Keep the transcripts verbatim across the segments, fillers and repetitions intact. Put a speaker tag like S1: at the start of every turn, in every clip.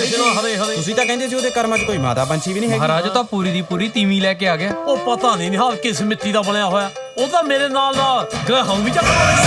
S1: ਤੁਸੀਂ ਤਾਂ ਕਹਿੰਦੇ ਸੀ ਉਹਦੇ ਕਰਮਾਂ 'ਚ ਕੋਈ ਮਾਤਾ ਪੰਛੀ ਵੀ ਨਹੀਂ ਹੈਗੀ।
S2: ਮਹਾਰਾਜ ਤਾਂ ਪੂਰੀ ਦੀ ਪੂਰੀ ਤੀਵੀਂ ਲੈ ਕੇ ਆ ਗਿਆ।
S3: ਉਹ ਪਤਾ ਨਹੀਂ ਨਿਹਾਲ ਕਿਸ ਮਿੱਟੀ ਦਾ ਬਣਿਆ ਹੋਇਆ, ਉਹ ਤਾਂ ਮੇਰੇ ਨਾਲ ਦਾ ਗ੍ਰਹਿ ਵੀ ਚੱਕ।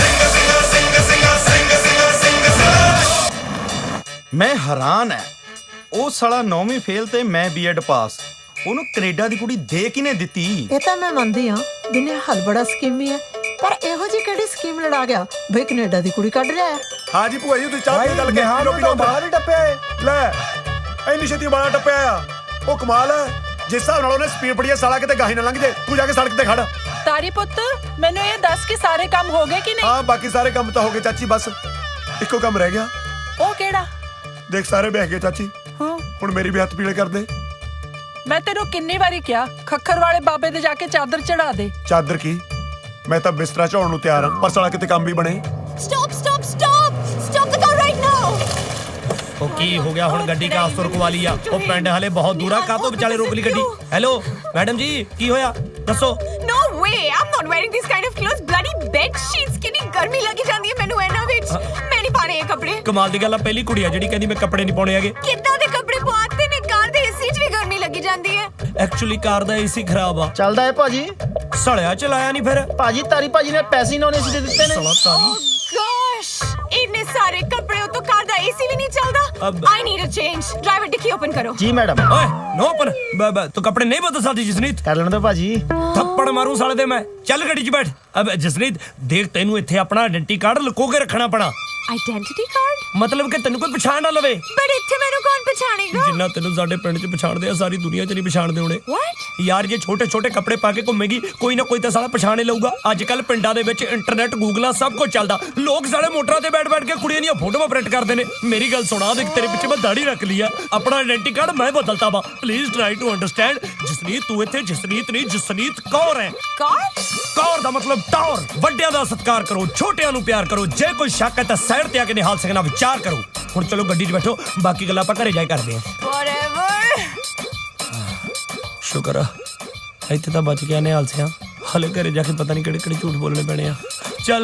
S1: ਮੈਂ ਹੈਰਾਨ ਹੈ, ਉਹ ਸਾਲਾ ਨੌਵੀਂ ਫੇਲ ਤੇ ਮੈਂ ਬੀਐਡ ਪਾਸ, ਉਹਨੂੰ ਕੈਨੇਡਾ ਦੀ ਕੁੜੀ ਦੇ ਕਿਨੇ ਦਿੱਤੀ?
S4: ਇਹ ਤਾਂ ਮੈਂ ਮੰਨਦੀ ਹਾਂ ਵੀ ਨਿਹਾਲ ਬੜਾ ਸਕੀਮੀ ਹੈ, ਪਰ ਇਹੋ ਜਿਹੀ ਕਿਹੜੀ ਸਕੀਮ ਲੜਾ ਗਿਆ ਬਈ ਕੈਨੇਡਾ ਦੀ ਕੁੜੀ ਕੱਢ ਲਿਆ?
S5: ਹਾਂ ਜੀ ਭੂਆ ਜੀ, ਤੁਸੀਂ ਚਾਹ ਪੀ ਗੱਲ ਕੇ ਪੀ ਲੋ ਬਾਹਰ ਹੀ ਟੱਪਿਆ ਏ। ਲੈ ਇੰਨੀ ਛੇਤੀ ਬਾਹਰ ਟੱਪਿਆ ਆ, ਉਹ ਕਮਾਲ ਹੈ। ਜਿਸ ਹਿਸਾਬ ਨਾਲ ਉਹਨੇ ਸਪੀਡ ਪੜੀ ਆ, ਸਾਲਾ ਕਿਤੇ ਗਾਹੀ ਨਾ ਲੰਘ ਜੇ। ਤੂੰ ਜਾ ਕੇ ਸੜਕ ਤੇ ਖੜ।
S6: ਤਾਰੀ ਪੁੱਤ, ਮੈਨੂੰ ਇਹ ਦੱਸ ਕਿ ਸਾਰੇ ਕੰਮ ਹੋ ਗਏ ਕਿ ਨਹੀਂ?
S5: ਹਾਂ ਬਾਕੀ ਸਾਰੇ ਕੰਮ ਤਾਂ ਹੋ ਗਏ ਚਾਚੀ, ਬਸ ਇੱਕੋ ਕੰਮ ਰਹਿ ਗਿਆ।
S6: ਉਹ ਕਿਹੜਾ?
S5: ਦੇਖ ਸਾਰੇ ਬਹਿ ਗਏ ਚਾਚੀ,
S6: ਹਾਂ
S5: ਹੁਣ ਮੇਰੀ ਵੀ ਹੱਥ ਪੀਲੇ ਕਰ ਦੇ।
S6: ਮੈਂ ਤੈਨੂੰ ਕਿੰਨੀ ਵਾਰੀ ਕਿਹਾ ਖੱਖਰ ਵਾਲੇ ਬਾਬੇ ਦੇ ਜਾ ਕੇ ਚਾਦਰ ਚੜਾ ਦੇ।
S5: ਚਾਦਰ ਕੀ, ਮੈਂ ਤਾਂ ਬਿਸਤਰਾ ਝਾਉਣ ਨੂੰ ਤਿਆਰ ਹਾਂ, ਪਰ ਸਾਲਾ ਕਿਤੇ ਕੰਮ ਵੀ ਬਣੇ।
S7: Stop, stop, stop! Stop the car right now!
S3: ਉਹ ਕੀ ਹੋ ਗਿਆ ਹੁਣ? ਗੱਡੀ ਕਾ ਸੁਰਕ ਵਾਲੀ ਆ, ਉਹ ਪਿੰਡ ਹਲੇ ਬਹੁਤ ਦੂਰ ਆ, ਕਾਹਤੋਂ ਵਿਚਾਲੇ ਰੋਕ ਲਈ ਗੱਡੀ? ਹੈਲੋ ਮੈਡਮ ਜੀ, ਕੀ ਹੋਇਆ ਦੱਸੋ?
S7: No way! I'm not wearing this kind of clothes. Bloody bed sheets! ਕਿੰਨੀ ਗਰਮੀ ਲੱਗੀ ਜਾਂਦੀ ਹੈ ਮੈਨੂੰ ਇਹਨਾਂ ਵਿੱਚ। ਮੈਂ ਨਹੀਂ ਪਾਣੇ ਇਹ ਕੱਪੜੇ।
S3: ਕਮਾਲ ਦੀ ਗੱਲ ਆ, ਪਹਿਲੀ ਕੁੜੀ ਆ ਜਿਹੜੀ ਕਹਿੰਦੀ ਮੈਂ ਕੱਪੜੇ ਨਹੀਂ ਪਾਉਣੇ ਹੈਗੇ।
S7: ਕਿੱਦਾਂ ਦੇ ਕੱਪੜੇ ਪਵਾਤੇ ਨੇ? ਕਾਰ ਦੇ ਏਸੀ 'ਚ ਵੀ ਗਰਮੀ ਲੱਗੀ ਜਾਂਦੀ ਹੈ।
S3: ਐਕਚੁਅਲੀ ਕਾਰ ਦਾ ਏਸੀ ਖਰਾਬ ਆ।
S8: ਚੱਲਦਾ ਹੈ ਭਾਜੀ।
S3: ਸੜਿਆ ਚਲਾਇਆ ਨਹੀਂ ਫਿਰ
S8: ਭਾਜੀ ਤਾਰੀ ਭਾਜੀ ਨੇ ਪੈਸੇ ਨੌਨ ਏਸੀ ਦੇ ਦਿੱਤੇ ਨੇ।
S3: ਸਲਾ ਤਾਰੀ।
S7: Gosh! ਇੰਨੇ ਸਾਰੇ ਕੱਪੜੇ ਉਤੋਂ ਕਾਰ ਦਾ ਏਸੀ ਵੀ ਨਹੀਂ ਚੱਲਦਾ।
S3: ਅਬ-
S7: I need a change. Driver dicky open ਕਰੋ।
S8: ਜੀ ਮੈਡਮ।
S3: ਓਏ ਨੋ ਪਰ ਤੂੰ ਕੱਪੜੇ ਨਹੀਂ ਬਦਲ ਸਕਦੀ ਜਸਨੀਤ।
S8: ਕਰ ਲੈਣ ਦੋ ਭਾਜੀ।
S3: ਥੱਪੜ ਮਾਰੂ ਸਾਲੇ ਦੇ ਮੈਂ। ਚੱਲ ਗੱਡੀ 'ਚ ਬੈਠ। ਅਬ ਜਸਨੀਤ ਦੇਖ, ਤੈਨੂੰ ਇੱਥੇ ਆਪਣਾ ਆਇਡੈਂਟੀ ਕਾਰਡ ਲੁਕੋ ਕੇ ਰੱਖਣਾ ਪੈਣਾ।
S7: Identity card?
S3: ਮਤਲਬ ਕਿ ਤੈਨੂੰ ਕੋਈ ਪਛਾਣ ਨਾ ਲਵੇ।
S7: But ਇੱਥੇ ਮੈਨੂੰ ਕੌਣ ਪਛਾਣੇਗਾ?
S3: ਜਿੰਨਾ ਤੈਨੂੰ ਸਾਡੇ ਪਿੰਡ 'ਚ ਪਛਾਣਦੇ ਆ, ਸਾਰੀ ਦੁਨੀਆ 'ਚ ਨਹੀਂ ਪਛਾਣਦੇ ਹੋਣੇ।
S7: What?
S3: ਯਾਰ ਜੇ ਛੋਟੇ ਛੋਟੇ ਕੱਪੜੇ ਪਾ ਕੇ ਘੁੰਮੇਗੀ, ਕੋਈ ਨਾ ਕੋਈ ਤਾਂ ਸਾਲਾ ਪਛਾਣੇ ਲਊਗਾ। ਅੱਜ ਕੱਲ ਪਿੰਡਾਂ ਦੇ ਵਿੱਚ ਇੰਟਰਨੈਟ, ਗੂਗਲਾਂ ਸਭ ਕੁਝ ਚੱਲਦਾ। ਲੋਕ ਸਾਲੇ ਮੋਟਰਾਂ ਤੇ ਬੈਠ ਬੈਠ ਕੇ ਕੁੜੀਆਂ ਦੀਆਂ ਫੋਟੋਆਂ ਪ੍ਰਿੰਟ ਕਰਦੇ ਨੇ। ਮੇਰੀ ਗੱਲ ਸੁਣਾ, ਦੇਖ ਤੇਰੇ ਪਿੱਛੇ ਮੈਂ ਦਾੜੀ ਰੱਖ ਲਈ ਆ, ਆਪਣਾ ਆਇਡੈਂਟੀ ਕਾਰਡ ਮੈਂ ਬਦਲਤਾ ਵਾ। Please try to understand. Jasneet ਤੂੰ ਇੱਥੇ ਜਸਨੀਤ ਨਹੀਂ, ਜਸਨੀਤ ਕੌਰ ਹੈ।
S7: ਕੌਣ?
S3: ਕੌਰ ਦਾ ਮਤਲਬ ਟੌਰ। ਵੱਡਿਆਂ ਦਾ ਸਤਿਕਾਰ ਕਰੋ, ਛੋਟਿਆਂ ਨੂੰ ਪਿਆਰ ਕਰੋ। ਜੇ ਕੋਈ ਸ਼ੱਕ ਹੈ ਤਾਂ ਸਾਈਡ ਤੇ ਆ ਕੇ ਨਿਹਾਲ ਸਿੰਘ ਨਾਲ ਵਿਚਾਰ ਕਰੋ। ਹੁਣ ਚਲੋ ਗੱਡੀ 'ਚ ਬੈਠੋ, ਬਾਕੀ ਗੱਲਾਂ ਆਪਾਂ ਘਰੇ ਜਾ ਕੇ ਕਰਦੇ ਹਾਂ।
S7: Whatever.
S3: ਸ਼ੁਕਰ ਆ ਇੱਥੇ ਤਾਂ ਬਚ ਗਿਆ ਨਿਹਾਲ ਸਿੰਘ। ਹਲੇ ਘਰੇ ਜਾ ਕੇ ਪਤਾ ਨਹੀਂ ਕਿਹੜੇ ਕਿਹੜੇ ਝੂਠ ਬੋਲਣੇ ਪੈਣੇ ਆ। ਚੱਲ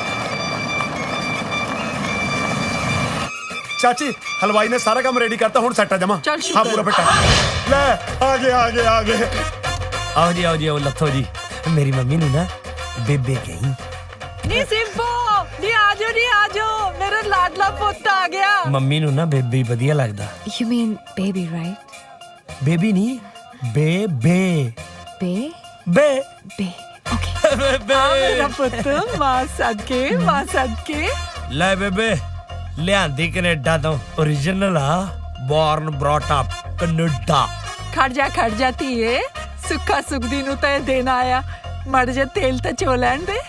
S5: ਚਾਚੀ ਹਲਵਾਈ ਨੇ ਸਾਰਾ ਕੰਮ ਰੈਡੀ ਕਰਤਾ, ਹੁਣ ਸੈੱਟ ਆ ਜਮਾ।
S6: ਚੱਲ
S5: ਹਾਂ
S6: ਸ਼ੁਕਰ।
S5: ਪੂਰਾ ਫਿੱਟ। ਲੈ ਆ ਗਏ ਆ ਗਏ ਆ ਗਏ।
S3: ਆਓ ਜੀ ਆਓ ਜੀ ਆਓ ਲੱਥੋ ਜੀ। ਮੇਰੀ ਮੰਮੀ ਨੂੰ ਨਾ ਬੇਬੇ ਕਹੀ।
S6: ਨੀ ਸਿੰਪੋ, ਨੀ ਆਜੋ ਨੀ ਆਜੋ, ਮੇਰਾ ਲਾਡਲਾ ਪੁੱਤ ਆ ਗਿਆ।
S3: ਮੰਮੀ ਨੂੰ ਨਾ ਬੇਬੀ ਵਧੀਆ ਲੱਗਦਾ।
S7: You mean baby, right?
S3: Baby ਨਹੀਂ, ਬੇਬੇ
S7: Be?
S3: Be
S7: Be. Okay.
S6: ਆ ਮੇਰਾ ਪੁੱਤ, ਮਾਂ ਸਦਕੇ, ਮਾਂ ਸਦਕੇ।
S3: ਲੈ ਬੇਬੇ, ਲਿਆਂਦੀ ਕੈਨੇਡਾ ਤੋਂ, ਓਰੀਜਨਲ ਆ, ਬੋਰਨ ਬ੍ਰੌਟ ਅਪ ਕੈਨੇਡਾ।
S6: ਖੜ ਜਾ ਖੜ ਜਾ ਧੀਏ, ਸੁੱਖਾ ਸੁਖਦੀ ਨੂੰ ਤਾਂ ਇਹ ਦੇਣ ਆਇਆ। ਮੜ ਜਾ ਤੇਲ ਤਾਂ ਚੋ ਲੈਣ ਦੇ।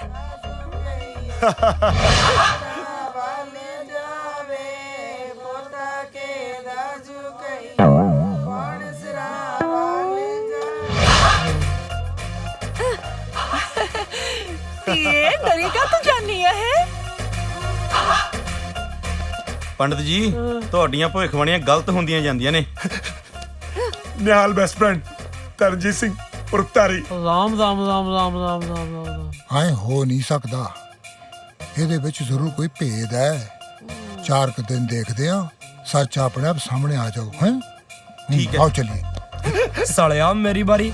S6: ਧੀਏ ਡਰੀ ਕਾ ਤੂੰ ਜਾਨੀ ਹੈ?
S1: ਪੰਡਤ ਜੀ, ਤੁਹਾਡੀਆਂ ਭਵਿੱਖਬਾਣੀਆਂ ਗਲਤ ਹੁੰਦੀਆਂ ਜਾਂਦੀਆਂ ਨੇ।
S5: ਨਿਹਾਲ ਬੈਸਟ ਫਰੈਂਡ ਤਰਨਜੀਤ ਸਿੰਘ ਉਰਫ ਤਾਰੀ।
S3: ਰਾਮ ਰਾਮ ਰਾਮ ਰਾਮ ਰਾਮ ਰਾਮ ਰਾਮ।
S9: ਐ ਹੋ ਨਹੀਂ ਸਕਦਾ, ਇਹਦੇ ਵਿੱਚ ਜ਼ਰੂਰ ਕੋਈ ਭੇਦ ਹੈ। ਚਾਰ ਕੁ ਦਿਨ ਦੇਖਦੇ ਆ, ਸੱਚ ਆਪਣੇ ਆਪ ਸਾਹਮਣੇ ਆ ਜਾਊ। ਹੈ
S1: ਠੀਕ ਹੈ।
S9: ਆਓ ਚਲਿਏ।
S3: ਸਾਲਿਆ ਮੇਰੀ ਬਾਰੀ।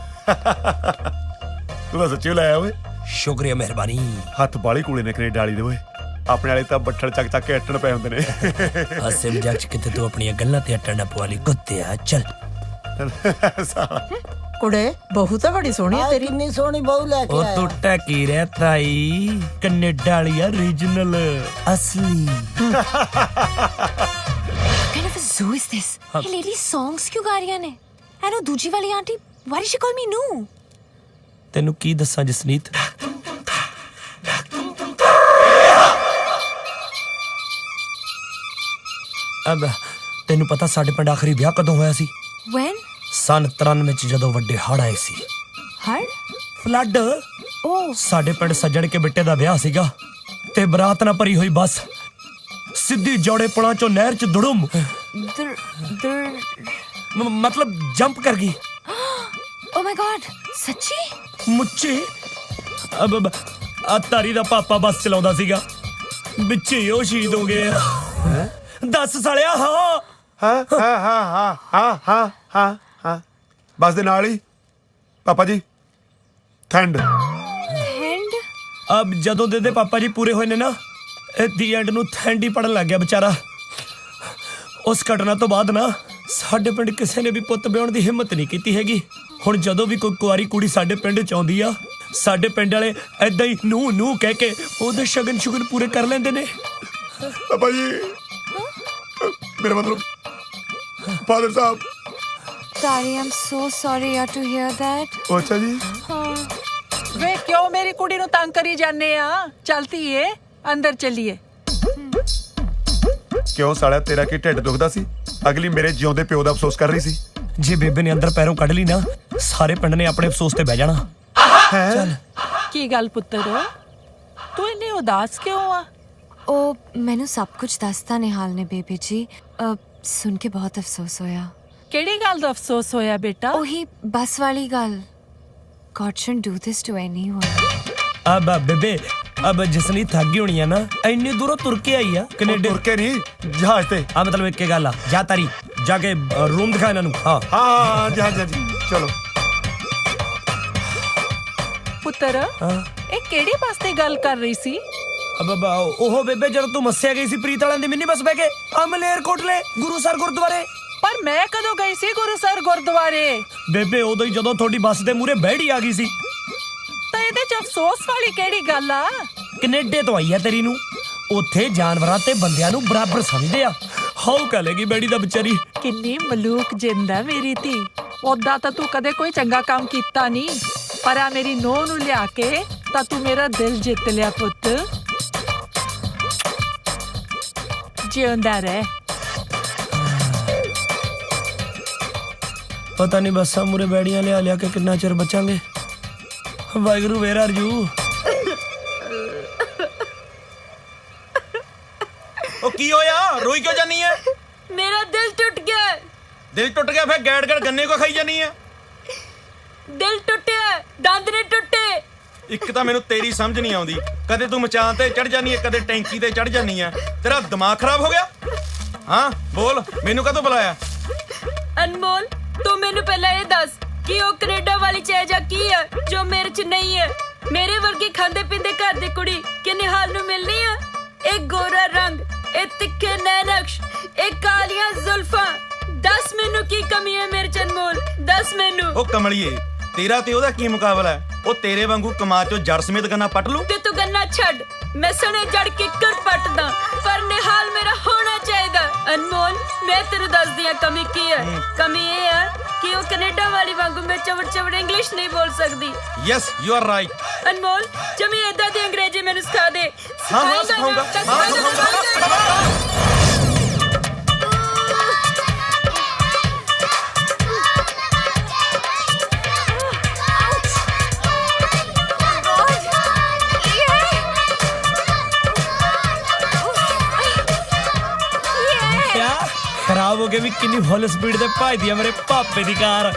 S5: ਤੂੰ ਤਾਂ ਸੱਚੀ ਲਾਇਆ ਓਏ।
S3: ਸ਼ੁਕਰੀਆ, ਮਿਹਰਬਾਨੀ।
S5: ਹੱਥ ਬਾਲੀ ਕੂਲੇ ਨੇ ਕੈਨੇਡਾ ਵਾਲੀ ਦੇ ਓਏ। ਆਪਣੇ ਵਾਲੇ ਤਾਂ ਬੱਠਲ ਚੱਕ ਚੱਕ ਕੇ ਅੱਟਣ ਪਏ ਹੁੰਦੇ ਨੇ।
S3: ਹਾਸੇ ਮਜ਼ਾਕ ਚ ਕਿਤੇ ਤੂੰ ਆਪਣੀਆਂ ਗੱਲਾਂ ਤੇ ਅੱਟਣ ਨਾ ਪਵਾ ਲਈ ਕੁੱਤਿਆ। ਚੱਲ
S4: ਕੁੜੇ ਬਹੂ ਤਾਂ ਬੜੀ ਸੋਹਣੀ ਹੈ ਤੇਰੀ।
S8: ਕਿੰਨੀ ਸੋਹਣੀ ਬਹੂ ਲੈ ਕੇ
S3: ਉਹ
S8: ਆਇਆ।
S3: ਤੂੰ ਟਕੀ ਰਹਿ ਤਾਈ, ਕੈਨੇਡਾ ਵਾਲੀ ਆ, ਰੀਜਨਲ ਅਸਲੀ।
S7: What kind of a zoo is this? ਇਹ ਲੇਡੀ songs ਕਿਉਂ ਗਾ ਰਹੀਆਂ ਨੇ? ਐ ਨੋ ਦੂਜੀ ਵਾਲੀ aunty, why did she call me no?
S3: ਤੈਨੂੰ ਕੀ ਦੱਸਾਂ ਜਸਨੀਤ, ਅਬ ਤੈਨੂੰ ਪਤਾ ਸਾਡੇ ਪਿੰਡ ਆਖਰੀ ਵਿਆਹ ਕਦੋਂ ਹੋਇਆ ਸੀ?
S7: When?
S3: ਸਨ ਤਰਾਨਵੇਂ ਚ, ਜਦੋਂ ਵੱਡੇ ਹੜ੍ਹ ਆਏ ਸੀ।
S7: ਹੜ?
S3: ਫਲੱਡ।
S7: Oh.
S3: ਸਾਡੇ ਪਿੰਡ ਸੱਜਣ ਕੇ ਬਿੱਟੇ ਦਾ ਵਿਆਹ ਸੀਗਾ ਤੇ ਬਰਾਤ ਨਾਲ ਭਰੀ ਹੋਈ ਬੱਸ ਸਿੱਧੀ ਜੋੜੇ ਪੁਲਾਂ ਚੋਂ ਨਹਿਰ ਚ ਦੁੜਮ
S7: ਦਰ ਦਰ
S3: ਮ- ਮਤਲਬ ਜੰਪ ਕਰ ਗਈ।
S7: Oh my god, ਸੱਚੀ?
S3: ਮੁੱਚੀ। ਅਬ ਅਬ- ਆ ਤਾਰੀ ਦਾ ਪਾਪਾ ਬੱਸ ਚਲਾਉਂਦਾ ਸੀਗਾ, ਵਿੱਚੇ ਹੀ ਉਹ ਸ਼ਹੀਦ ਹੋ ਗਏ। ਦੱਸ ਸਾਲਿਆ। ਹਾਂ
S5: ਹਾਂ ਹਾਂ ਹਾਂ ਹਾਂ ਹਾਂ ਹਾਂ ਹਾਂ ਹਾਂ ਬਸ ਦੇ ਨਾਲ ਹੀ ਪਾਪਾ ਜੀ ਠੰਡ
S7: हैंड
S3: ਅਬ ਜਦੋਂ ਦੇ ਦੇ ਪਾਪਾ ਜੀ ਪੂਰੇ ਹੋਏ ਨੇ ਨਾ ਦੀ ਐਂਡ ਨੂੰ ਥੈਂਡ ਹੀ ਪੜਨ ਲੱਗ ਗਿਆ ਵਿਚਾਰਾ। ਉਸ ਘਟਨਾ ਤੋਂ ਬਾਅਦ ਨਾ ਸਾਡੇ ਪਿੰਡ ਕਿਸੇ ਨੇ ਵੀ ਪੁੱਤ ਵਿਆਹਣ ਦੀ ਹਿੰਮਤ ਨਹੀਂ ਕੀਤੀ ਹੈਗੀ। ਹੁਣ ਜਦੋਂ ਵੀ ਕੋਈ ਕੁਆਰੀ ਕੁੜੀ ਸਾਡੇ ਪਿੰਡ ਚ ਆਉਂਦੀ ਆ ਸਾਡੇ ਪਿੰਡ ਵਾਲੇ ਐਦਾਂ ਹੀ ਨੂੰ ਨੂੰ ਕਹਿ ਕੇ ਉਹਦੇ ਸ਼ਗਨ ਸ਼ੁਗਨ ਪੂਰੇ ਕਰ ਲੈਂਦੇ ਨੇ।
S5: ਪਾਪਾ ਜੀ ਮੇਰਾ ਮਤਲਬ ਫਾਦਰ ਸਾਹਿਬ।
S7: Sorry, I'm so sorry yaar to hear that.
S5: ਉਹ ਅੱਛਾ ਜੀ
S6: ਵੇ ਕਿਉਂ ਮੇਰੀ ਕੁੜੀ ਨੂੰ ਤੰਗ ਕਰੀ ਜਾਂਦੇ ਆ? ਚਲਤੀ ਏ ਅੰਦਰ ਚੱਲੀਏ।
S5: ਕਿਉਂ ਸਾਲਿਆ ਤੇਰਾ ਕੀ ਢਿੱਡ ਦੁਖਦਾ ਸੀ? ਅਗਲੀ ਮੇਰੇ ਜਿਉਂਦੇ ਪਿਓ ਦਾ ਅਫਸੋਸ ਕਰ ਰਹੀ ਸੀ।
S3: ਜੇ ਬੇਬੇ ਨੇ ਅੰਦਰ ਪੈਰੋਂ ਕੱਢ ਲਈ ਨਾ ਸਾਰੇ ਪਿੰਡ ਨੇ ਆਪਣੇ ਅਫਸੋਸ ਤੇ ਬਹਿ ਜਾਣਾ।
S5: ਹੈ
S6: ਕੀ ਗੱਲ ਪੁੱਤਰ ਤੂੰ ਇੰਨੀ ਉਦਾਸ ਕਿਉਂ ਆ?
S7: ਉਹ ਮੈਨੂੰ ਸਭ ਕੁਝ ਦੱਸਤਾ ਨਿਹਾਲ ਨੇ ਬੇਬੀ ਜੀ। ਅ, ਸੁਣ ਕੇ ਬਹੁਤ ਅਫਸੋਸ ਹੋਇਆ।
S6: ਕਿਹੜੀ ਗੱਲ ਦਾ ਅਫਸੋਸ ਹੋਇਆ ਬੇਟਾ?
S7: ਉਹੀ ਬੱਸ ਵਾਲੀ ਗੱਲ। God shouldn't do this to anyone.
S3: ਅਬ ਬੇਬੇ ਅਬ ਜਿਸਨੀ ਥੱਕ ਗਈ ਹੋਣੀ ਆ ਨਾ ਇੰਨੀ ਦੂਰੋਂ ਤੁਰ ਕੇ ਆਈ ਆ ਕੈਨੇਡਾ।
S5: ਤੁਰ ਕੇ ਨਹੀਂ ਜਹਾਜ਼ ਤੇ।
S3: ਆ ਮਤਲਬ ਇੱਕ ਗੱਲ ਆ ਜਾ ਤਾਰੀ ਜਾ ਕੇ ਰੂਮ ਦਿਖਾ ਇਹਨਾਂ ਨੂੰ। ਹਾਂ
S5: ਹਾਂ ਜਹਾਜ਼ ਜੀ ਚਲੋ।
S6: ਪੁੱਤਰ
S3: ਹਾਂ
S6: ਇਹ ਕਿਹੜੀ ਬੱਸ ਦੀ ਗੱਲ ਕਰ ਰਹੀ ਸੀ?
S3: ਅਬ ਅਬ ਉਹ ਬੇਬੇ ਜਦੋਂ ਤੂੰ ਮੱਸਿਆ ਗਈ ਸੀ ਪ੍ਰੀਤ ਵਾਲਿਆਂ ਦੀ ਮਿੰਨੀ ਬੱਸ ਬਹਿ ਕੇ ਆ ਮਲੇਰਕੋਟਲੇ ਗੁਰੂਸਰ ਗੁਰਦੁਆਰੇ।
S6: ਪਰ ਮੈਂ ਕਦੋਂ ਗਈ ਸੀ ਗੁਰੂਸਰ ਗੁਰਦੁਆਰੇ?
S3: ਬੇਬੇ ਉਦੋਂ ਹੀ ਜਦੋਂ ਤੁਹਾਡੀ ਬੱਸ ਦੇ ਮੂਹਰੇ ਬਹਿੜੀ ਆ ਗਈ ਸੀ।
S6: ਤਾਂ ਇਹਦੇ ਚ ਅਫਸੋਸ ਵਾਲੀ ਕਿਹੜੀ ਗੱਲ ਆ?
S3: ਕੈਨੇਡਾ ਤੋਂ ਆਈ ਆ ਤੇਰੀ ਨੂੰ ਉੱਥੇ ਜਾਨਵਰਾਂ ਤੇ ਬੰਦਿਆਂ ਨੂੰ ਬਰਾਬਰ ਸਮਝਦੇ ਆ। ਹਾਉ ਕਹੇਗੀ ਬੈੜੀ ਦਾ ਵਿਚਾਰੀ।
S6: ਕਿੰਨੀ ਮਲੂਕ ਜਿੰਦਾ ਮੇਰੀ ਧੀ। ਉਦਾਂ ਤਾਂ ਤੂੰ ਕਦੇ ਕੋਈ ਚੰਗਾ ਕੰਮ ਕੀਤਾ ਨਹੀਂ ਪਰ ਆ ਮੇਰੀ ਨੂੰਹ ਨੂੰ ਲਿਆ ਕੇ ਤਾਂ ਤੂੰ ਮੇਰਾ ਦਿਲ ਜਿੱਤ ਲਿਆ ਪੁੱਤ। ਜਿਉਂਦਾ ਰਹਿ।
S3: ਪਤਾ ਨਹੀਂ ਬੱਸਾਂ ਮੂਰੇ ਬੈੜੀਆਂ ਲਿਆ ਲਿਆ ਕੇ ਕਿੰਨਾ ਚਿਰ ਬਚਾਂਗੇ। ਵਾਹਿਗੁਰੂ ਵੇਰ ਆਰ ਯੂ।
S1: ਉਹ ਕੀ ਹੋਇਆ? ਰੋਈ ਕਿਉਂ ਜਾਨੀ ਐ?
S7: ਮੇਰਾ ਦਿਲ ਟੁੱਟ ਗਿਆ।
S1: ਦਿਲ ਟੁੱਟ ਗਿਆ ਫਿਰ ਗੈੜ ਗੈੜ ਗੰਨੇ ਕੋ ਖਾਈ ਜਾਨੀ ਐ?
S7: ਦਿਲ ਟੁੱਟਿਆ, ਦੰਦ ਨੇ ਟੁੱਟੇ।
S1: ਇੱਕ ਤਾਂ ਮੈਨੂੰ ਤੇਰੀ ਸਮਝ ਨਹੀਂ ਆਉਂਦੀ। ਕਦੇ ਤੂੰ ਮਚਾਨ ਤੇ ਚੜ ਜਾਨੀ ਐ ਕਦੇ ਟੈਂਕੀ ਤੇ ਚੜ ਜਾਨੀ ਐ। ਤੇਰਾ ਦਿਮਾਗ ਖਰਾਬ ਹੋ ਗਿਆ? ਹਾਂ ਬੋਲ ਮੈਨੂੰ ਕਦੋਂ ਬੁਲਾਇਆ?
S7: ਅਨਮੋਲ ਤੂੰ ਮੈਨੂੰ ਪਹਿਲਾਂ ਇਹ ਦੱਸ ਕਿ ਉਹ ਕੈਨੇਡਾ ਵਾਲੀ ਚੈਜਾ ਕੀ ਹੈ ਜੋ ਮੇਰੇ ਚ ਨਹੀਂ ਹੈ? ਮੇਰੇ ਵਰਗੀ ਖਾਂਦੇ ਪੀਂਦੇ ਘਰ ਦੀ ਕੁੜੀ ਕਿ ਨਿਹਾਲ ਨੂੰ ਮਿਲਣੀ ਹੈ? ਇਹ ਗੋਰਾ ਰੰਗ, ਇਹ ਤਿੱਖੇ ਨੈਣਕਸ਼, ਇਹ ਕਾਲੀਆਂ ਜ਼ੁਲਫਾਂ। ਦੱਸ ਮੈਨੂੰ ਕੀ ਕਮੀ ਹੈ ਮੇਰੇ ਚ ਅਨਮੋਲ, ਦੱਸ ਮੈਨੂੰ।
S1: ਉਹ ਕਮਲੀਏ ਤੇਰਾ ਤੇ ਉਹਦਾ ਕੀ ਮੁਕਾਬਲਾ ਹੈ? ਉਹ ਤੇਰੇ ਵਾਂਗੂ ਕਮਾ ਚੋਂ ਜੜ ਸਮੇਤ ਗੰਨਾ ਪੱਟ ਲੂ।
S7: ਤੇ ਤੂੰ ਗੰਨਾ ਛੱਡ, ਮੈਂ ਸਣੇ ਜੜ ਕੇ ਕਰ ਪੱਟਦਾ ਪਰ ਨਿਹਾਲ ਮੇਰਾ ਹੋਣਾ ਚਾਹੀਦਾ। ਅਨਮੋਲ ਮੈਂ ਤੈਨੂੰ ਦੱਸਦੀ ਆ ਕਮੀ ਕੀ ਹੈ। ਕਮੀ ਇਹ ਹੈ ਕਿ ਉਹ ਕੈਨੇਡਾ ਵਾਲੀ ਵਾਂਗੂ ਮੈਂ ਚਵੜ ਚਵੜ ਇੰਗਲਿਸ਼ ਨਹੀਂ ਬੋਲ ਸਕਦੀ।
S1: Yes you are right.
S7: Anmol ਜਮੀ ਏਦਾਂ ਦੀ ਅੰਗਰੇਜ਼ੀ ਮੈਨੂੰ ਸਿਖਾ ਦੇ।
S1: ਹਾਂ ਹਾਂ ਸਿਖਾਉਂਗਾ ਹਾਂ ਸਿਖਾਉਂਗਾ।
S3: ਖਰਾਬ ਹੋ ਕੇ ਵੀ ਕਿੰਨੀ ਫੁੱਲ ਸਪੀਡ ਤੇ ਭੱਜਦੀ ਆ ਮੇਰੇ ਪਾਪੇ ਦੀ ਕਾਰ।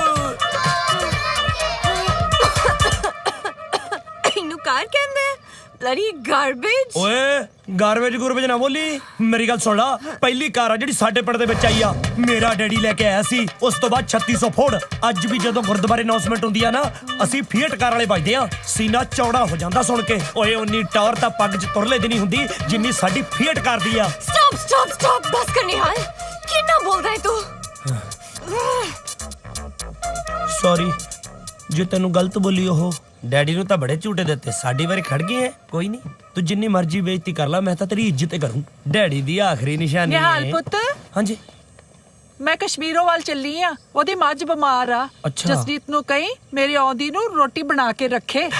S7: ਇਹਨੂੰ ਕਾਰ ਕਹਿੰਦੇ ਬਲਡੀ ਗਾਰਬੇਜ।
S3: ਓਏ ਗਾਰਬੇਜ ਗੁਰਬੇਜ ਨਾ ਬੋਲੀ। ਮੇਰੀ ਗੱਲ ਸੁਣ ਲਾ ਪਹਿਲੀ ਕਾਰ ਆ ਜਿਹੜੀ ਸਾਡੇ ਪਿੰਡ ਦੇ ਵਿੱਚ ਆਈ ਆ ਮੇਰਾ ਡੈਡੀ ਲੈ ਕੇ ਆਇਆ ਸੀ। ਉਸ ਤੋਂ ਬਾਅਦ ਛੱਤੀ ਸੌ ਫੋੜ। ਅੱਜ ਵੀ ਜਦੋਂ ਗੁਰਦੁਆਰੇ ਅਨਾਉਂਸਮੈਂਟ ਹੁੰਦੀ ਆ ਨਾ ਅਸੀਂ ਫੀਟ ਕਾਰ ਵਾਲੇ ਵੱਜਦੇ ਆ। ਸੀਨਾ ਚੌੜਾ ਹੋ ਜਾਂਦਾ ਸੁਣ ਕੇ। ਓਏ ਉਨੀ ਟੌਰ ਤਾਂ ਪੱਗ 'ਚ ਤੁਰਲੇ ਦੀ ਨਹੀਂ ਹੁੰਦੀ ਜਿੰਨੀ ਸਾਡੀ ਫੀਟ ਕਾਰ ਦੀ ਆ।
S7: ਸਟਾਪ ਸਟਾਪ ਸਟਾਪ ਬਸ ਕਰ ਨਿਹਾਲ। ਕਿੰਨਾ ਬੋਲਦਾ ਹੈ ਤੂੰ?
S3: ਸੌਰੀ ਜੇ ਤੈਨੂੰ ਗਲਤ ਬੋਲੀ ਉਹ। ਡੈਡੀ ਨੂੰ ਤਾਂ ਬੜੇ ਝੂਟੇ ਦਿੱਤੇ ਸਾਡੀ ਵਾਰੀ ਖੜ ਗਏ ਐ। ਕੋਈ ਨਹੀਂ ਤੂੰ ਜਿੰਨੀ ਮਰਜ਼ੀ ਬੇਇੱਜ਼ਤੀ ਕਰ ਲੈ ਮੈਂ ਤਾਂ ਤੇਰੀ ਇੱਜ਼ਤ ਕਰੂੰ। ਡੈਡੀ ਦੀ ਆਖਰੀ ਨਿਸ਼ਾਨੀ ਹੈ।
S6: ਨਿਹਾਲ ਪੁੱਤ
S3: ਹਾਂਜੀ
S6: ਮੈਂ ਕਸ਼ਮੀਰੋਂ ਵੱਲ ਚੱਲੀ ਆ। ਉਹਦੀ ਮੱਝ ਬਿਮਾਰ ਆ।
S3: ਅੱਛਾ।
S6: ਜਸਜੀਤ ਨੂੰ ਕਹੀਂ ਮੇਰੀ ਆਉਂਦੀ ਨੂੰ ਰੋਟੀ ਬਣਾ ਕੇ ਰੱਖੇ।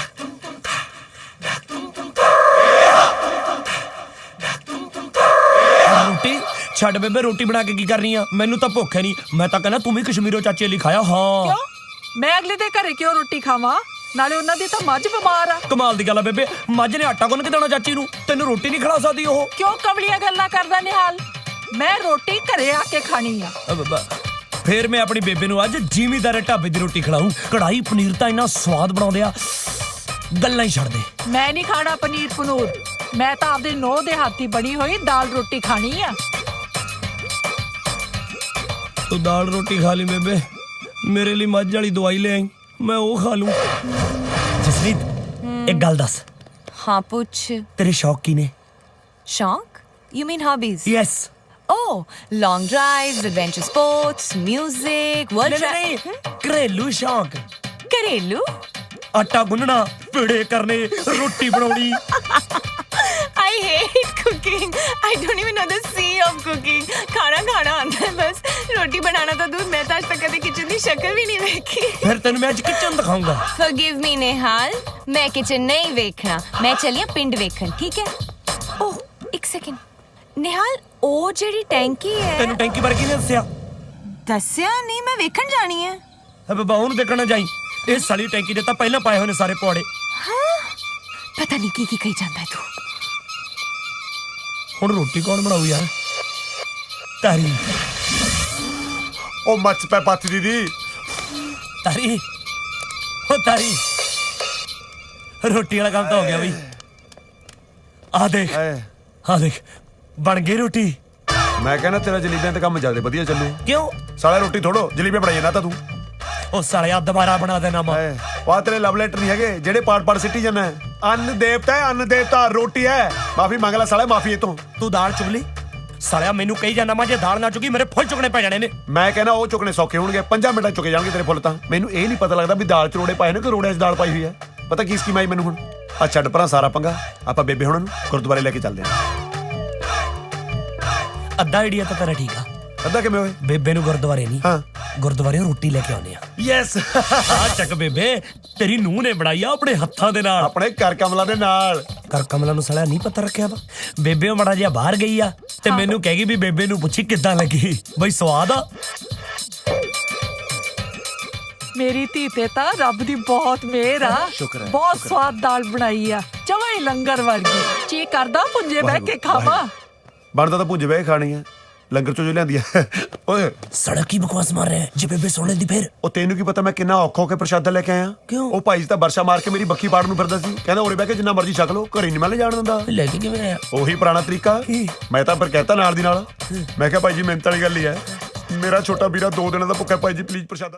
S3: ਰੋਟੀ ਛੱਡ ਬੇਬੇ ਰੋਟੀ ਬਣਾ ਕੇ ਕੀ ਕਰਨੀ ਆ? ਮੈਨੂੰ ਤਾਂ ਭੁੱਖ ਹੈ ਨਹੀਂ। ਮੈਂ ਤਾਂ ਕਹਿੰਦਾ ਤੂੰ ਵੀ ਕਸ਼ਮੀਰੋਂ ਚਾਚੇ ਲਈ ਖਾਇਆ। ਹਾਂ
S6: ਕਿਉਂ? ਮੈਂ ਅਗਲੇ ਦੇ ਘਰੇ ਕਿਉਂ ਰੋਟੀ ਖਾਵਾਂ? ਨਾਲੇ ਉਹਨਾਂ ਦੀ ਤਾਂ ਮੱਝ ਬਿਮਾਰ ਆ।
S3: ਕਮਾਲ ਦੀ ਗੱਲ ਆ ਬੇਬੇ ਮੱਝ ਨੇ ਆਟਾ ਗੁੰਨ ਕੇ ਦੇਣਾ ਚਾਚੀ ਨੂੰ ਤੈਨੂੰ ਰੋਟੀ ਨਹੀਂ ਖਿਲਾ ਸਕਦੀ ਉਹ?
S6: ਕਿਉਂ ਕਵਲੀਆਂ ਗੱਲਾਂ ਕਰਦਾ ਨਿਹਾਲ? ਮੈਂ ਰੋਟੀ ਘਰੇ ਆ ਕੇ ਖਾਣੀ ਆ।
S3: ਅ ਬ- ਫੇਰ ਮੈਂ ਆਪਣੀ ਬੇਬੇ ਨੂੰ ਅੱਜ ਜ਼ਿਮੀਦਾਰ ਢਾਬੇ ਦੀ ਰੋਟੀ ਖਿਲਾऊं। ਕੜਾਈ ਪਨੀਰ ਤਾਂ ਇੰਨਾ ਸਵਾਦ ਬਣਾਉਂਦੇ ਆ ਗੱਲਾਂ ਹੀ ਛੱਡ ਦੇ।
S6: ਮੈਂ ਨਹੀਂ ਖਾਣਾ ਪਨੀਰ ਪਨੂਰ। ਮੈਂ ਤਾਂ ਆਪਦੇ ਨੋਹ ਦੇ ਹੱਥੀ ਬਣੀ ਹੋਈ ਦਾਲ ਰੋਟੀ ਖਾਣੀ ਆ।
S3: ਤੂੰ ਦਾਲ ਰੋਟੀ ਖਾ ਲਈ ਬੇਬੇ ਮੇਰੇ ਲਈ ਮੱਝ ਵਾਲੀ ਦਵਾਈ ਲੈ ਆਈ ਮੈਂ ਉਹ ਖਾ ਲੂੰ ਜਸਲੀਤ ਇੱਕ ਗੱਲ ਦੱਸ
S10: हाँ पूछ
S3: ਤੇਰੇ ਸ਼ੌਕ ਕੀ ਨੇ
S10: शौक you mean hobbies
S3: yes
S10: Oh, long drives, adventure sports, music, world
S3: ਨਹੀਂ ਨਹੀਂ
S10: tra-
S3: ਘਰੇਲੂ ਸ਼ੌਕ
S10: घरेलू
S3: ਆਟਾ ਗੁੰਨਣਾ ਪੇੜੇ ਕਰਨੇ ਰੋਟੀ ਬਣਾਉਣੀ
S10: I hate cooking. I don't even know the C of cooking. खाना खाना आता है बस रोटी बनाना तो दूर मैं तो आज तक कभी किचन की शक्ल भी नहीं देखी
S3: ਫਿਰ ਤੈਨੂੰ ਮੈਂ ਅੱਜ ਕਿਚਨ ਦਿਖਾਉਂਗਾ
S10: Forgive me नेहाल मैं किचन नहीं देखना मैं चली हाँ पिंड वेखन ठीक है ओह एक सेकंड नेहाल ओ जेडी टैंकी है
S3: ਤੈਨੂੰ ਟੈਂਕੀ ਬਾਰੇ ਕਿਹਨੇ ਦੱਸਿਆ
S10: दस्या नहीं मैं वेखन जानी है
S3: ਹੈ ਬਾਬਾ ਉਹਨੂੰ ਦੇਖਣਾ ਜਾਈ ਇਹ ਸਾਲੀ ਟੈਂਕੀ ਦੇ ਤਾਂ ਪਹਿਲਾਂ ਪਾਏ ਹੋਏ ਨੇ ਸਾਰੇ ਪੌੜੇ
S10: पता नहीं की की कही जाता है तू
S3: ਹੁਣ ਰੋਟੀ ਕੌਣ ਬਣਾਊ ਯਾਰ ਤਾਰੀ
S5: ਉਹ ਮੱਚ ਪੈ ਪੱਤ ਦੀਦੀ
S3: ਤਾਰੀ ਹੋ ਤਾਰੀ ਰੋਟੀ ਵਾਲਾ ਕੰਮ ਤਾਂ ਹੋ ਗਿਆ ਬਈ ਆ ਦੇਖ
S5: ਐ
S3: ਆ ਦੇਖ ਬਣ ਗਈ ਰੋਟੀ
S5: ਮੈਂ ਕਹਿੰਦਾ ਤੇਰਾ ਜਲੀਬੀਆਂ ਤੇ ਕੰਮ ਜਿਆਦਾ ਵਧੀਆ ਚੱਲੂ
S3: ਕਿਉਂ
S5: ਸਾਲਾ ਰੋਟੀ ਥੋੜੋ ਜਲੀਬੀਆਂ ਬਣਾਈ ਜਾਂਦਾ ਤਾਂ ਤੂੰ
S3: ਉਹ ਸਾਲਿਆ ਦੁਬਾਰਾ ਬਣਾ ਦੇਣਾ ਮਾ
S5: ਐ ਵਾ ਤੇਰੇ ਲਵ ਲੈਟਰ ਨਹੀਂ ਹੈਗੇ ਜਿਹੜੇ ਪਾੜ ਪਾੜ ਸਿੱਟੀ ਜਾਂਦਾ ਹੈ। ਅੰਨ ਦੇਵਤਾ ਹੈ ਅੰਨ ਦੇਵਤਾ ਰੋਟੀ ਹੈ ਮਾਫੀ ਮੰਗ ਲੈ ਸਾਲਾ ਮਾਫੀ ਇਹ ਤੋਂ
S3: ਤੂੰ ਦਾਲ ਚੁਗ ਲਈ ਸਾਲਿਆ ਮੈਨੂੰ ਕਹੀ ਜਾਂਦਾ ਮੈਂ ਜੇ ਦਾਲ ਨਾ ਚੁਗੀ ਮੇਰੇ ਫੁੱਲ ਚੁਗਣੇ ਪੈ ਜਾਣੇ ਨੇ
S5: ਮੈਂ ਕਹਿੰਦਾ ਉਹ ਚੁੱਕਣੇ ਸੌਖੇ ਹੋਣਗੇ ਪੰਜਾਂ ਮਿੰਟਾਂ 'ਚ ਚੁੱਕੇ ਜਾਣਗੇ ਤੇਰੇ ਫੁੱਲ ਤਾਂ ਮੈਨੂੰ ਇਹ ਨਹੀਂ ਪਤਾ ਲੱਗਦਾ ਵੀ ਦਾਲ ਚ ਰੋੜੇ ਪਾਏ ਨੇ ਕਿ ਰੋੜਿਆਂ 'ਚ ਦਾਲ ਪਾਈ ਹੋਈ ਹੈ ਪਤਾ ਕੀ ਸਕੀਮ ਆਈ ਮੈਨੂੰ ਹੁਣ ਆ ਛੱਡ ਪਰਾਂ ਸਾਰਾ ਪੰਗਾ ਆਪਾਂ ਬੇਬੇ ਹੁਣਾਂ ਨੂੰ ਗੁਰਦੁਆਰੇ ਲੈ ਕੇ ਚੱਲਦੇ ਹਾਂ
S3: ਅੱਧਾ ਆਈਡੀਆ ਤਾਂ ਤੇਰਾ ਠੀਕ ਆ
S5: ਅੱਧਾ ਕਿਵੇਂ ਹੋਏ
S3: ਬੇਬੇ ਨੂੰ ਗੁਰਦੁਆਰੇ ਨਹੀਂ
S5: ਹਾਂ
S3: ਗੁਰਦੁਆਰੇ ਰੋਟੀ ਲੈ ਕੇ ਆਉਂਦੇ ਆ ਯੈਸ ਆ ਚੱਕ ਬੇਬੇ ਤੇਰੀ ਨੂੰਹ ਨੇ ਬਣਾਈ ਆ ਆਪਣੇ ਹੱਥਾਂ ਦੇ ਨਾਲ
S5: ਆਪਣੇ ਘਰ ਕਮਲਾ ਦੇ ਨਾਲ
S3: ਕਰ ਕਮਲਾ ਨੂੰ ਸਾਲਿਆ ਨਹੀਂ ਪਤਾ ਰੱਖਿਆ ਵਾ ਬੇਬੇ ਉਹ ਮੜਾ ਜਿਹਾ ਬਾਹਰ ਗਈ ਆ ਤੇ ਮੈਨੂੰ ਕਹਿ ਗਈ ਵੀ ਬੇਬੇ ਨੂੰ ਪੁੱਛੀ ਕਿੱਦਾਂ ਲੱਗੀ ਬਈ ਸਵਾਦ ਆ
S6: ਮੇਰੀ ਧੀ ਤੇ ਤਾਂ ਰੱਬ ਦੀ ਬਹੁਤ ਮਿਹਰ ਆ
S5: ਸ਼ੁਕਰ ਹੈ,
S6: ਬਹੁਤ ਸਵਾਦ ਦਾਲ ਬਣਾਈ ਆ ਜਮਾਂ ਹੀ ਲੰਗਰ ਵਰਗੀ ਜੀ ਕਰਦਾ ਪੁੰਜੇ ਬਹਿ ਕੇ ਖਾਵਾਂ
S5: ਬਣਦਾ ਤਾਂ ਭੁੱਜ ਬਹਿ ਖਾਣੀ ਹੈ ਲੰਗਰ ਚੋਂ ਜੋ ਲਿਆਂਦੀ ਹੈ ਓਏ
S3: ਸੜਕ ਕੀ ਬਕਵਾਸ ਮਾਰ ਰਿਹਾ ਜੇ ਬੇਬੇ ਸੁਣ ਲੈਂਦੀ ਫੇਰ
S5: ਉਹ ਤੈਨੂੰ ਕੀ ਪਤਾ ਮੈਂ ਕਿੰਨਾ ਔਖਾ ਹੋ ਕੇ ਪ੍ਰਸ਼ਾਦਾ ਲੈ ਕੇ ਆਇਆ
S3: ਕਿਉਂ?
S5: ਉਹ ਭਾਈ ਜੀ ਤਾਂ ਵਰਸ਼ਾ ਮਾਰ ਕੇ ਮੇਰੀ ਬੱਖੀ ਪਾੜ ਨੂੰ ਫਿਰਦਾ ਸੀ ਕਹਿੰਦਾ ਉਰੇ ਬਹਿ ਕੇ ਜਿੰਨਾ ਮਰਜ਼ੀ ਛਕ ਲਓ ਘਰੇ ਨਹੀਂ ਮੈਂ ਲੈ ਜਾਣ ਦਿੰਦਾ
S3: ਲੈ ਕੇ ਕਿਵੇਂ ਆਇਆ
S5: ਉਹੀ ਪੁਰਾਣਾ ਤਰੀਕਾ ਮੈਂ ਤਾਂ ਫਿਰ ਕਹਿਤਾ ਨਾਲ ਦੀ ਨਾਲ ਮੈਂ ਕਿਹਾ ਭਾਈ ਜੀ ਮਿਹਨਤ ਵਾਲੀ ਗੱਲ ਹੀ ਹੈ ਮੇਰਾ ਛੋਟਾ ਵੀਰਾ ਦੋ ਦਿਨਾਂ ਦਾ ਭੁੱਖਾ ਭਾਈ ਜੀ ਪਲੀਜ਼ ਪ੍ਰਸ਼ਾਦਾ